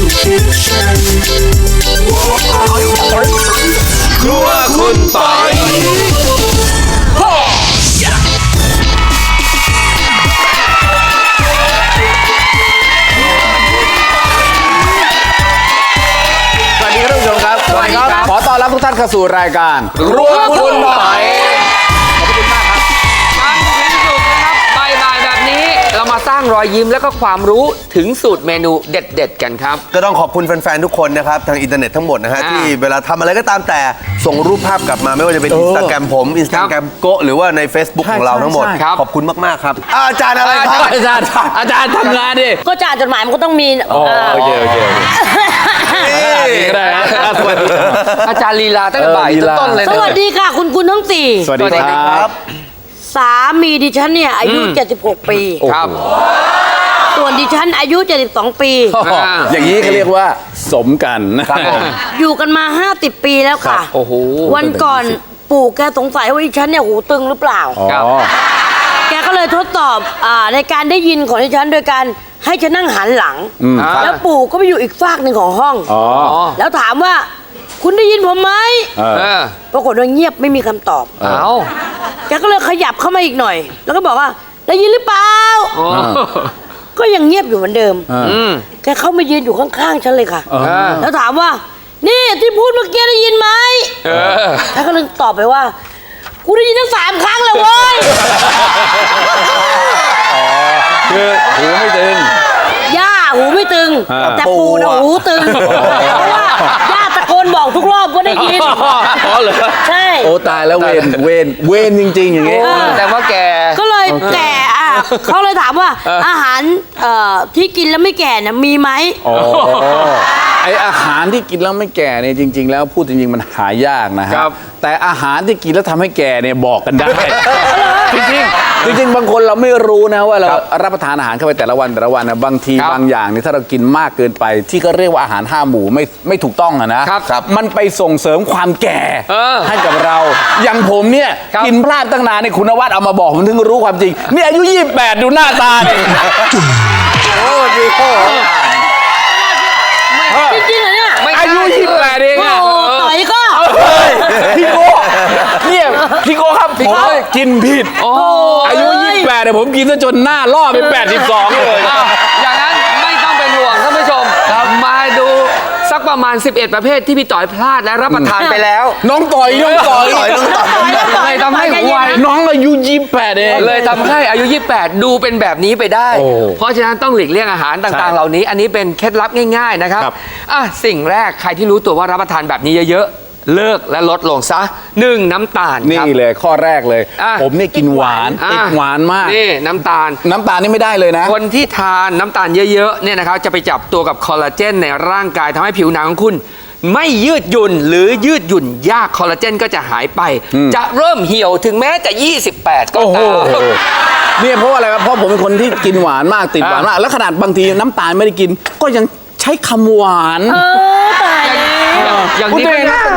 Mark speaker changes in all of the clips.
Speaker 1: ครัวคุณปอย
Speaker 2: ขอต้อนรับทุกท่านเข้าสู่รายการ
Speaker 1: ครัวคุณปอย
Speaker 2: ขอบคุณมากครับ
Speaker 3: มันถึงสุดนะครับบ่ายๆแบบนี้เรามาสร้างรอยยิ้มและก็ความรู้ถึงสูตรเมนูเด็ดๆกันครับ
Speaker 4: ก็ต้องขอบคุณแฟนๆ ทุกคนนะครับ ทางอินเทอร์เน็ตทั้งหมดนะฮะ ที่เวลาทำอะไรก็ตามแต่ส่งรูปภาพกลับมาไม่ว่าจะเป็นอินสตาแกรมผมอินสตาแกรมโกะหรือว่าใน Facebook ของเราทั้งหมด ขอบคุณมากๆครับอาจารย์อะไรครับ
Speaker 2: อาจารย์ทำงานดิ
Speaker 5: ก็จะอ่านจดหมายมันก็ต้องมี
Speaker 2: โอเคได้นะสวัสดี
Speaker 3: อาจารย์ลีลาตั้งแต่บ่ายจนต้นเลย
Speaker 5: ส
Speaker 3: นะ
Speaker 5: วัสดีค่ะคุณทั้งสี่
Speaker 2: สวัสดีครับ
Speaker 5: สามีดิฉันเนี่ยอายุ 76 ปี
Speaker 3: ครับ
Speaker 5: ส่วนดิฉันอายุ 72 ปี
Speaker 2: อย่างนี้เขาเรียกว่าสมกันนะครับผม
Speaker 5: อยู่กันมา 50 ปีแล้วค่ะ
Speaker 3: โอ้โห
Speaker 5: วันก่อนปู่แกสงสัยว่าดิฉันเนี่ยหูตึงหรือเปล่า
Speaker 3: ครับ
Speaker 5: แกก็เลยทดสอบในการได้ยินของดิฉันโดยการให้ฉันนั่งหันหลัง แล้วปู่ก็ไปอยู่อีกฝากหนึ่งของห้อง แล้วถามว่าคุณได้ยินผมไหม ปรากฏว่าเงียบไม่มีคำตอบ
Speaker 3: เอา
Speaker 5: แกก็เลยขยับเข้ามาอีกหน่อย แล้วก็บอกว่าได้ยินหรือเปล่า ก็ยังเงียบอยู่เหมือนเดิม แกเข้ามายืนอยู่ข้างๆฉันเลยค่ะ แล้วถามว่า นี่ที่พูดเมื่อกี้ได้ยินไหมแกก็เลยตอบไปว่ากูได้ยินทั้ง3 ครั้งแล้วเว้ย
Speaker 2: คือหูไม่ตึง
Speaker 5: ย่าหูไม่ตึง แต่ปู่นะหูตึง เพราะว่าย่าตะโกนบอกทุกรอบว่าได้ยิน
Speaker 2: อ๋อเหรอ
Speaker 5: ใช่
Speaker 2: โอ้ตายแล้วเวนจริงๆอย่างงี้
Speaker 3: แต่ว่าแก
Speaker 5: ก็เลยแก่เขาเลยถามว่าอาหารที่กินแล้วไม่แก่เนี่ยมีไหม
Speaker 2: ไออาหารที่กินแล้วไม่แก่เนี่ยจริง ๆ แล้วพูดจริงๆมันหายากนะฮะ
Speaker 3: ครับ
Speaker 2: แต่อาหารที่กินแล้วทำให้แก่เนี่ยบอกกันได้ จริงๆบางคนเราไม่รู้นะว่าเรารับประทานอาหารเข้าไปแต่ละวันนะบางทีบางอย่างเนี่ยถ้าเรากินมากเกินไป ที่ก็เรียกว่าอาหาร5 หมู่ไม่ถูกต้องอะนะมันไปส่งเสริมความแก่ให้กับเราอย่างผมเนี่ยกินพลาดตั้งนานเนี่ยคุณนวัดเอามาบอกผมถึงรู้ความจริงนี่อายุ28ดูหน้าตาเนี่ยโอ้ดีโอ้
Speaker 5: จริงๆเหรอเนี่ย
Speaker 2: อายุ28เองอะ
Speaker 5: โอ้ต่อยก็
Speaker 2: พี่โก้เนี่ยพี่โก้ครับผมกินผิดอายุ28เนี่ยผมกินซะจนหน้าล่อไป82เลย
Speaker 3: อย่างนั้นไม่ต้องเป็นห่วงท่านผู้ชมมาดูสักประมาณ11 ประเภทที่พี่ต่อยพลาดและรับประทานไปแล้ว
Speaker 2: น้องต่อย
Speaker 3: เลยทำให้หัว
Speaker 2: น้องอายุ28เอง
Speaker 3: เลยทำให้อายุ 28 ดูเป็นแบบนี้ไปได้ เพราะฉะนั้นต้องหลีกเลี่ยงอาหารต่างๆ เหล่านี้ อันนี้เป็นเคล็ดลับง่ายๆนะครับสิ่งแรกใครที่รู้ตัวว่ารับประทานแบบนี้เยอะๆเลิกและลดลงซะ 1 น้ำตาลครับ
Speaker 2: นี่เลยข้อแรกเลยผมเนี่ยกินหวานติดหวานมาก
Speaker 3: นี่น้ำตาล
Speaker 2: นี่ไม่ได้เลยนะ
Speaker 3: คนที่ทานน้ำตาลเยอะๆเนี่ยนะครับจะไปจับตัวกับคอลลาเจนในร่างกายทำให้ผิวหนังของคุณไม่ยืดหยุ่นหรือยืดหยุ่นยากคอลลาเจนก็จะหายไป จะเริ่มเหี่ยวถึงแม้จะ 28 ก็ตาม
Speaker 2: เนี่ยเพราะอะไรครับเพราะผมเป็นคนที่กินหวานมากติดหวานมากแล้วขนาดบางทีน้ำตาลไม่ได้กิน ก็ยังใช้คำหวาน
Speaker 5: ตายแล้ว
Speaker 3: อย่างที่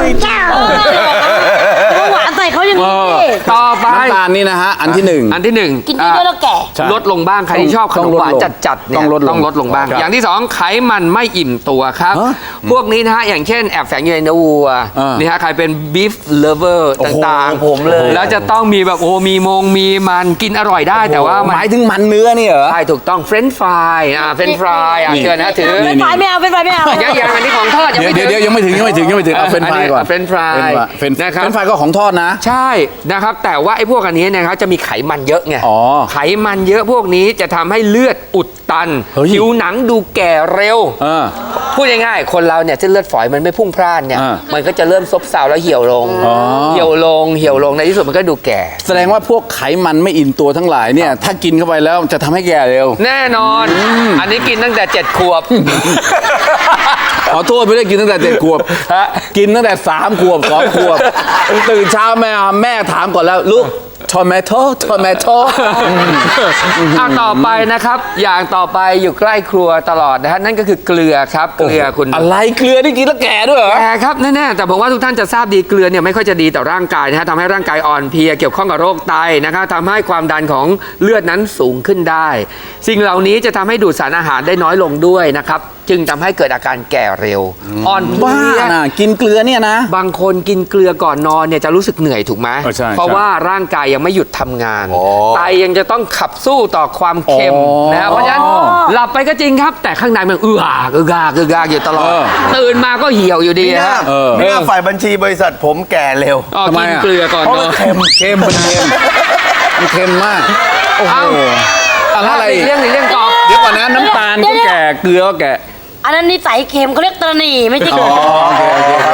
Speaker 5: หวานใส่เขาอย่างนี้
Speaker 3: ต่อไป
Speaker 2: น้ำตาลนี่นะฮะอันที่หนึ่ง
Speaker 3: อันที่ 1
Speaker 5: กินเยอะๆแล้วแก่
Speaker 3: ลดลงบ้างใครที่ชอบขนมหวานจัดๆเนี่ย
Speaker 2: ต้องลดลง
Speaker 3: บ้าง
Speaker 2: ครับ
Speaker 3: อย่างที่ 2 ไขมันไม่อิ่มตัวครับ พวกนี้นะฮะอย่างเช่นแอบแฝงอยู่ในเนื้อวัวนี่ฮะใครเป็น beef lover ต่างๆ
Speaker 4: ผมเลย
Speaker 3: แล้วจะต้องมีแบบมีมันกินอร่อยได้แต่ว่า
Speaker 2: หมายถึงมันเนื้อนี่เหรอ
Speaker 3: ใช่ถูกต้องเฟรนช์ฟรายเฟรนช์ฟรายเชิญนะถือ
Speaker 5: เป็นไฟไม่เอาเป็นไฟไม่เอา
Speaker 3: ยังอันนี้ของทอดยังไม่
Speaker 2: เดี๋ยวยังไม่ถึงเอาเฟรนช์ฟรายก่อน
Speaker 3: เฟรนช์ฟราย
Speaker 2: เฟรนช์
Speaker 3: นะครับ
Speaker 2: ฟรายก็ของทอดนะ
Speaker 3: ใช่นะครับแต่ว่าไอ้พวกอันนี้นะครับจะมีไขมันเยอะไง
Speaker 2: อ๋อ
Speaker 3: ไขมันเยอะพวกนี้จะทำให้เลือดอุดตัน
Speaker 2: เฮ้ย
Speaker 3: ผิวหนังดูแก่เร็ว พูดง่ายๆคนเราเนี่ยเส้นเลือดฝอยมันไม่พุ่งพล่านเนี่ยมันก็จะเริ่มซบเซาแล้วเหี่ยวลงเหี่ยวลงในที่สุดมันก็ดูแก่
Speaker 2: แสดงว่าพวกไขมันไม่อิ่มตัวทั้งหลายเนี่ยถ้ากินเข้าไปแล้วจะทำให้แก่เร็ว
Speaker 3: แน่นอน อันนี้กินตั้งแต่7 ขวบ
Speaker 2: ขอโทษไม่ได้กินตั้งแต่7 ขวบกินตั้งแต่3 ขวบ2 ขวบตื่นเช้าแม่ถามก่อนแล้วลูกทอมโต
Speaker 3: ต่อไปนะครับอย่างต่อไปอยู่ใกล้ครัวตลอดนะฮะนั่นก็คือเกลือครับเกลือคุณ
Speaker 2: อะไรเกลือที่กินแล้วแก่ด้วยเหรอ
Speaker 3: แก่ครับแน่ๆแต่ผมว่าทุกท่านจะทราบดีเกลือเนี่ยไม่ค่อยจะดีต่อร่างกายนะฮะทำให้ร่างกายอ่อนเพลียเกี่ยวข้องกับโรคไตนะครับทำให้ความดันของเลือดนั้นสูงขึ้นได้ สิ่งเหล่านี้จะทำให้ดูดสารอาหารได้น้อยลงด้วยนะครับจึงทำให้เกิดอาการแก่เร็ว อ่อนเพ
Speaker 2: บ้า
Speaker 3: ลีย
Speaker 2: นะกินเกลือเนี่ยนะ
Speaker 3: บางคนกินเกลือก่อนนอนเนี่ยจะรู้สึกเหนื่อยถูกไหม
Speaker 2: ใช่
Speaker 3: เพราะว่าร่างกายยังไม่หยุดทำงาน ไตยังจะต้องขับสู้ต่อความเค็มนะเพราะฉะนั้นหลับไปก็จริงครับ แต่ข้างในมันอึกอักอยู่ตลอด ตื่นมาก็เหี่ยวอยู่ดี
Speaker 4: ไม่น่า
Speaker 3: ฮะ
Speaker 4: ไม่น่าฝ่ายบัญชีบริษัทผมแก่เร็ว
Speaker 3: อ๋อ
Speaker 2: ทำไม
Speaker 3: กิน
Speaker 2: อะ
Speaker 3: เกลือก่อนนอน
Speaker 2: เค็มมันเค็มมันเค็มมากโอ้โห
Speaker 3: เอ้า
Speaker 2: อะไร
Speaker 3: เรื่องต่อ
Speaker 2: เดี๋ยวก่อนนะน้ำตาลก็แก่เกลือก็แก่
Speaker 5: อันนั้นนิสัยเค็มเขาเรียกตระหนี่ไม่ใช่เกลือ
Speaker 2: โอเค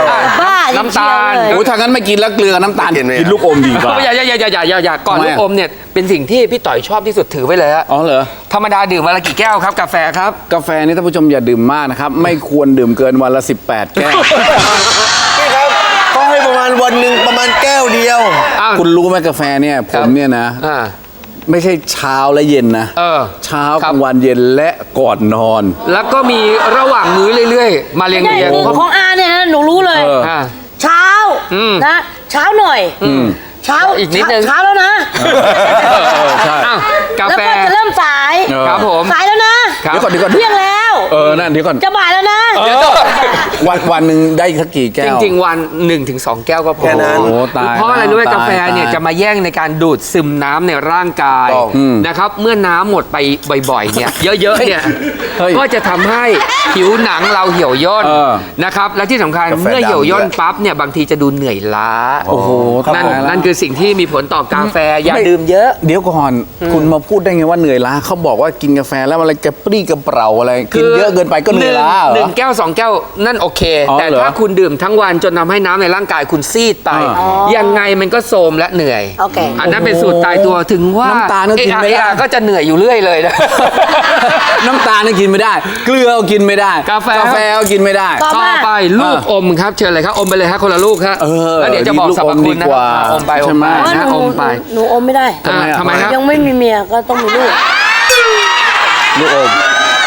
Speaker 5: บ้าจริง
Speaker 3: น้ำตาล
Speaker 5: เชียวเลย
Speaker 2: โอ้ถ้างั้นไม่กินแล้วเกลือกับน้ำตาล
Speaker 4: ไม่กินเลย
Speaker 2: กินลูกอมดีกว่า
Speaker 3: อย่าก่อน
Speaker 2: ทำไม
Speaker 3: ลู
Speaker 2: อะ
Speaker 3: กอมเนี่ยเป็นสิ่งที่พี่ต่อยชอบที่สุดถือไว้เลยฮะ
Speaker 2: อ๋อเหรอ
Speaker 3: ธรรมดาดื่มวันละกี่แก้วครับกาแฟครับ
Speaker 2: กาแฟนี่ท่านผู้ชมอย่าดื่มมากนะครับ ไม่ควรดื่มเกินวันละ 18 แก้ว
Speaker 4: นี่ครับก็ให้ประมาณวันหนึ่งประมาณแก้วเดียว
Speaker 3: อ้าว
Speaker 2: คุณรู้ไหมกาแฟเนี่ยผมเนี่ยนะ
Speaker 3: อ่า
Speaker 2: ไม่ใช่เช้าและเย็นนะ เช้า
Speaker 3: ค
Speaker 2: ก
Speaker 3: รับ
Speaker 2: ลางวันเย็นและก่อนนอน
Speaker 3: แล้วก็มีระหว่างมื้อเรื่อยๆ มาเรียง
Speaker 5: ไม่
Speaker 3: เรียง
Speaker 5: ได้คือของอาเนี่ยนะหนูรู้เลย
Speaker 3: อ่า
Speaker 5: เช้า
Speaker 3: อืม
Speaker 5: นะเช้าหน่อยเช้า
Speaker 3: อีกนิดนึง
Speaker 5: เช้าแล้วนะ
Speaker 2: ใช่
Speaker 3: อ้าวกา
Speaker 5: แล้ว
Speaker 3: แฟ
Speaker 5: ก็จะเริ่มสาย
Speaker 3: ครับผม
Speaker 5: สายแล้วนะ
Speaker 3: ครับ
Speaker 2: เดี๋ยวก่อน
Speaker 5: เที่ยงแล้ว
Speaker 2: นั่นเดี๋ยวก่อน
Speaker 5: จะบ่ายแล้วนะ
Speaker 2: วันหนึ่งได้สักกี่แก้
Speaker 3: จ
Speaker 2: ว
Speaker 3: ริงๆ วัน 1-2 แก้วก็พอ
Speaker 4: แค่นั้น
Speaker 2: โอ้ตาย
Speaker 3: เพราะอะไรรู้ไหม
Speaker 2: ตาย
Speaker 3: กาแฟเนี่ย
Speaker 2: ตาย
Speaker 3: จะมาแย่งในการดูดซึมน้ำในร่างกาย
Speaker 4: ต้อง
Speaker 3: นะครับเมื่อน้ำหมดไปบ่อยๆเนี่ยเยอะๆเนี่ย
Speaker 2: เฮ้ย
Speaker 3: ก็จะทำให้ผิวหนังเราเหี่ยวย่น
Speaker 2: เออ
Speaker 3: นะครับและที่สำคัญ
Speaker 4: กาแฟ
Speaker 3: เมื่อเหี่ยวย่น
Speaker 4: ดำด้วย
Speaker 3: ปั๊บเนี่ยบางทีจะดูเหนื่อยล้า
Speaker 2: โอ้โห
Speaker 3: นั่น
Speaker 2: ตายแล้ว
Speaker 3: นั่นคือสิ่งที่มีผลต่อกาแฟอย่า
Speaker 2: ไม่
Speaker 3: ดื่มเยอะ
Speaker 2: เดี๋ยวก่อน คุณมาพูดได้ไงว่าเหนื่อยล้าเขาบอกว่ากินกาแฟแล้วอะไรกระปรี้กระเปร่าอะไรกินเยอะเกินไปก็เหนื่อยล้าเหร
Speaker 3: หนึ่
Speaker 2: อ
Speaker 3: งแก้ว 2 แก้วนั่นโอเค
Speaker 2: อ๋อ
Speaker 3: แต่
Speaker 2: เหรอ
Speaker 3: ถ้าคุณดื่มทั้งวันจนทำให้น้ำในร่างกายคุณซีดไป
Speaker 2: อ๋อ
Speaker 3: ยังไงมันก็โทรมและเหนื่อย
Speaker 5: โอเค
Speaker 3: อันนั้นเป็นสูตรตายตัวถึงว่า
Speaker 2: น้ำตาลก็กินไม่ได้
Speaker 3: ก็จะเหนื่อยอยู่เรื่อยเลยนะ
Speaker 2: น้ำตาลนี่กินไม่ได้ เกลือก็กินไม่ได้
Speaker 3: กาแฟ
Speaker 2: ก็กินไม่ได้
Speaker 5: ต่อ
Speaker 3: ต่อไปลูกอมครับเชิญเลยครับอมไปเลยครับคนละลูกครับ
Speaker 2: เออ
Speaker 3: แล้วเดี๋ยวจะบอกสรรพคุณนะ
Speaker 2: ลูกอมดีกว่า
Speaker 3: อมไปอ
Speaker 2: ใช่
Speaker 3: ม
Speaker 2: ไหม
Speaker 3: ไป
Speaker 5: เพราะ
Speaker 3: นะ
Speaker 5: หนู
Speaker 3: อมไป
Speaker 5: หนูอมไม่ได้
Speaker 3: ทำไมครับ
Speaker 5: ยังไม่มีเมียก็ต้องมีลูก
Speaker 2: ลูกอม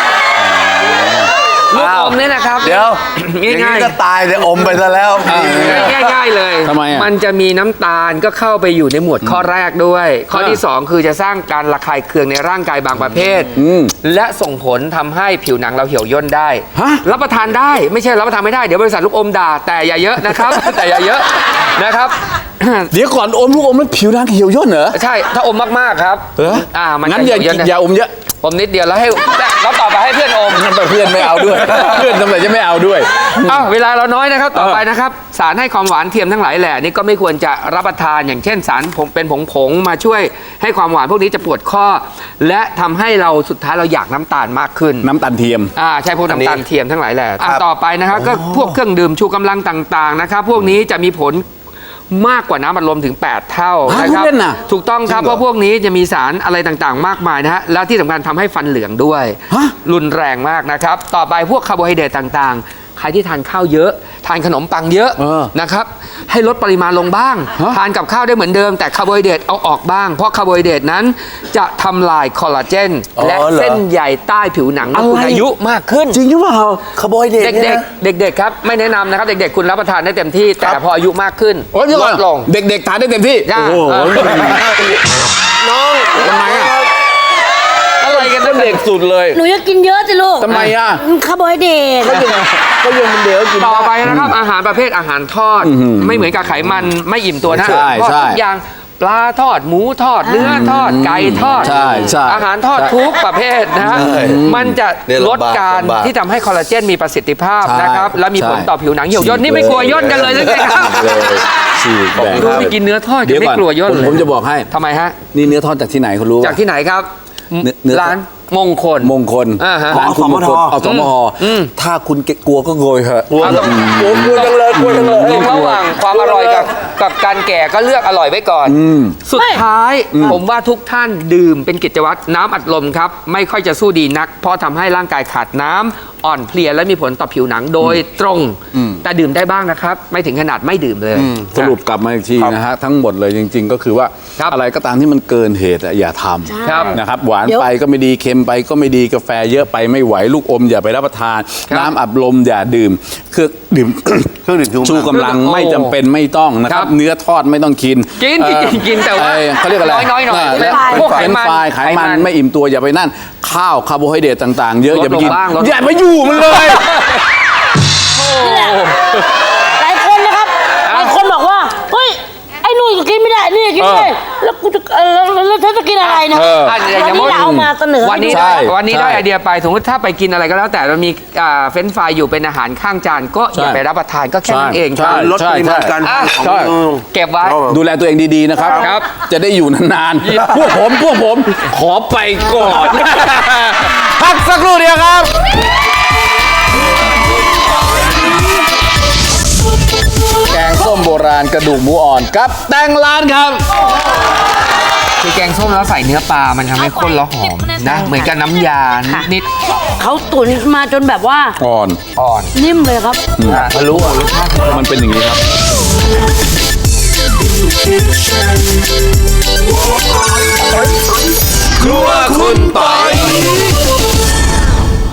Speaker 3: ลูกอมเนี่ยนะครับ
Speaker 4: เดี๋ยว
Speaker 3: ง่ายๆ
Speaker 4: อย่างนี้ก็ตายเลยอมไปซะแล้ว
Speaker 3: ง่ายๆเลย
Speaker 2: ทำไมอะ
Speaker 3: มันจะมีน้ำตาลก็เข้าไปอยู่ในหมวดข้อแรกด้วย ข้อที่ 2 คือจะสร้างการระคายเคืองในร่างกายบางประเภท และส่งผลทำให้ผิวหนังเราเหี่ยวย่นได้
Speaker 2: ฮะ
Speaker 3: รับประทานได้ไม่ใช่รับประทานไม่ได้ เดี๋ยวบริษัทลูกอมด่าแต่อย่าเยอะนะครับ แต่อย่าเยอะนะครับ
Speaker 2: เดี๋ยวก่อนอมลูกอมแล้วผิวหนังเหี่ยวย่นเหรอ
Speaker 3: ใช่ถ้าอมมากๆครับ
Speaker 2: เหรอ
Speaker 3: มัน
Speaker 2: งั้น
Speaker 3: จะ
Speaker 2: อย่า
Speaker 3: เหี่ยวย่นนะ
Speaker 2: อย่าอมเยอะ
Speaker 3: อมนิดเดียวแล้วให้แล้วต่อไปให้เพื่อนอม
Speaker 2: งั้นเพื่อนไม่เอาด้วย เพื่อนทำไมจะไม่เอาด้วย
Speaker 3: อ้าวเวลาเราน้อยนะครับต่อไปนะครับสารให้ความหวานเทียมทั้งหลายแหล่นี่ก็ไม่ควรจะรับประทานอย่างเช่นสารเป็นผงมาช่วยให้ความหวานพวกนี้จะปวดข้อ และทำให้เราสุดท้ายเราอยากน้ำตาลมากขึ้น
Speaker 2: น้ำตาลเทียม
Speaker 3: ใช่พวกน้ำตาลเทียมทั้งหลายแหล่
Speaker 4: ครับ
Speaker 3: ต่อไปนะครับก็พวกเครื่องดื่มชูกำลังต่างๆนะครับพวกนี้จะมีผลมากกว่าน้ำอัดลมถึง 8 เท่า
Speaker 2: ฮะ
Speaker 3: นะครั
Speaker 2: พูดเล่นน่ะ
Speaker 3: ถูกต้องครับเพราะพวกนี้จะมีสารอะไรต่างๆ มากมายนะฮะแล้วที่สำคัญทำให้ฟันเหลืองด้วย
Speaker 2: ฮะ
Speaker 3: รุนแรงมากนะครับ ต่อไปพวกคาร์โบไฮเดรตต่างๆ ใครที่ทานข้าวเยอะ ทานขนมปังเยอะนะครับ ให้ลดปริมาณลงบ้าง ทานกับข้าวได้เหมือนเดิม แต่คาร์โบไฮเดรตเอาออกบ้าง เพราะคาร์โบไฮเดรตนั้นจะทำลายคอลลาเจน และ
Speaker 4: อ๋อเหรอ
Speaker 3: เส้นใยใต้ผิวหนังเมื่อคุณอายุมากขึ้น
Speaker 2: จริงหรือเปล่า
Speaker 4: คาร์โบไฮเดรต
Speaker 3: เด็ก
Speaker 4: เนี่ยนะ
Speaker 3: ๆเด็กๆครับไม่แนะนำนะครับ เด็กๆคุณรับประทานได้เต็มที่ แต่พออายุมากขึ้น
Speaker 2: โอ้ยเดี๋ยว
Speaker 3: ล
Speaker 2: ก่อน
Speaker 3: ดลง
Speaker 2: เด็กๆทานได้เต็มที่
Speaker 3: จ้า
Speaker 2: โอ้โห
Speaker 4: น้อง
Speaker 2: ทำไมอะ
Speaker 3: อะไรกันนั่น
Speaker 2: เด็กสุดเลย
Speaker 5: หนูจะกินเยอะสิลูก
Speaker 2: ทำไมอะ
Speaker 5: คาร์โบไฮเดรต
Speaker 2: ก็ยังมันเดี๋ยวกิน
Speaker 3: ต่อไปนะครับอาหารประเภทอาหารทอดไม่เหมือนกับไขมันไม่อิ่มตัวนะ
Speaker 2: ใช่
Speaker 3: ทอด
Speaker 2: ใช่
Speaker 3: ทุกอย่างปลาทอดหมูทอดเนื้อทอดไก่ทอด
Speaker 2: ใช่ใช่
Speaker 3: อาหารทอดทุกประเภทนะฮะ
Speaker 4: ใช่
Speaker 3: มันจะ
Speaker 4: เนี่ย
Speaker 3: ลดการ
Speaker 4: ลำบาก
Speaker 3: ที่ทำให้คอลลาเจนมีประสิทธิภาพ
Speaker 2: ใช่
Speaker 3: นะครับและมีผล
Speaker 2: ใช่
Speaker 3: ต่อผิวหนังเหี่ยวย่นนี่ไม่กลัวย่นกันเลยหรือไงครับ
Speaker 2: ฉีกแบ่ง
Speaker 3: ดูไปกินเนื้อทอด
Speaker 2: เดี๋ยว
Speaker 3: ไม่
Speaker 2: ก่อน
Speaker 3: กลัวย่นเลย
Speaker 2: ผมจะบอกให้
Speaker 3: ทำไมฮะ
Speaker 2: นี่เนื้อทอดจากที่ไหนคุณรู้
Speaker 3: จากที่ไหนครับ
Speaker 2: เนื้อ
Speaker 3: ร้านมงคล
Speaker 2: มงคล
Speaker 3: อ่าฮะ
Speaker 2: ร้านคุณมงคล
Speaker 4: อสมท
Speaker 2: เอาสมหถ้าคุณกลัวก็โกยเถอะ
Speaker 3: เอาต้อง
Speaker 4: กลัวจังเลยกลัวจังเลย
Speaker 3: ระหว่างความอร่อยกับการแก่ก็เลือกอร่อยไว้ก่อน สุดท้ายผมว่าทุกท่านดื่มเป็นกิจวัตรน้ำอัดลมครับ ไม่ค่อยจะสู้ดีนัก เพราะทำให้ร่างกายขาดน้ำอ่อนเพลียและมีผลต่อผิวหนังโดยตรง แต่ดื่มได้บ้างนะครับ ไม่ถึงขนาดไม่ดื่มเลย
Speaker 2: สรุปกลับมาอีกทีนะฮะทั้งหมดเลยจริง ๆ ก็คือว่า
Speaker 3: ครับ
Speaker 2: อะไรก็ตามที่มันเกินเหตุอะอย่าท
Speaker 3: ครับ
Speaker 2: ำนะครับหวาน
Speaker 5: เดี๋ยว
Speaker 2: ไปก็ไม่ดีเค็มไปก็ไม่ดีกาแฟเยอะไปไม่ไหวลูกอมอย่าไปรับประทาน
Speaker 3: ครับ
Speaker 2: น้ำอัดลมอย่าดื่มคือดื่ม
Speaker 4: เครื่องดื่ม
Speaker 2: ชูกำลังไม่จำเป็นไม่ต้องนะค
Speaker 3: ครั
Speaker 2: รับบ เนื้อทอดไม่ต้องกิน
Speaker 3: กิน
Speaker 2: เอ่อ
Speaker 3: กินแต่ว่า
Speaker 2: เขาเรียกอะไร
Speaker 3: น้อยๆหน่อย
Speaker 2: แล้ว
Speaker 3: พวกไข
Speaker 2: เป็น
Speaker 3: มัน
Speaker 2: ไฟรายไขมันไม่อิ่มตัวอย่าไปนั่นข้าวคาร์โบไฮเดรตต่างๆ เยอะ
Speaker 3: ลด
Speaker 2: อย่าไปกิน
Speaker 3: ลงบ้างลด
Speaker 2: อย่าไปอยู่มันเลย
Speaker 5: นี่แหละหลายคนนะครับหลายคนบอกว่าเฮ้ยไอ้นู่นก็กินไม่ได้นี่ก็กินไม่ได้แล้วกูจะแล้วฉันจะกินอะไรนะ
Speaker 3: อ่ะ
Speaker 5: วันนี้เราเอามาเสนอ
Speaker 3: วันนี้
Speaker 2: ใช่
Speaker 3: วันนี้ได้ไอเดียไปสมมติถ้าไปกินอะไรก็แล้วแต่เรามีเฟรนช์ฟรายอยู่เป็นอาหารข้างจานก็อย่าไปรับประทานก็แค่นั้นเอง
Speaker 2: ใช่
Speaker 4: ลดปริมาณการทานของ
Speaker 2: ใช่
Speaker 3: เก็บไว้
Speaker 2: ดูแลตัวเองดีๆนะครับ
Speaker 3: ครับ
Speaker 2: จะได้อยู่นานๆ พวกผมขอไปก่อน พักสักครู่เดียวครับ แกงส้มโบราณกระดูกหมูอ่อนกับแตงร้านครับ
Speaker 3: คือแกงส้มแล้วใส่เนื้อปลามันทำให้ข้นแล้วหอมนะเหมือนกับน้ำยานิด
Speaker 5: เขาตุ๋นมาจนแบบว่า
Speaker 2: อ่อน
Speaker 3: ๆอ่อน
Speaker 5: นิ่มเลยครับ
Speaker 3: มารู้รสชาติ
Speaker 2: มันเป็นอย่างนี้ครับ
Speaker 1: ครัวคุณปอย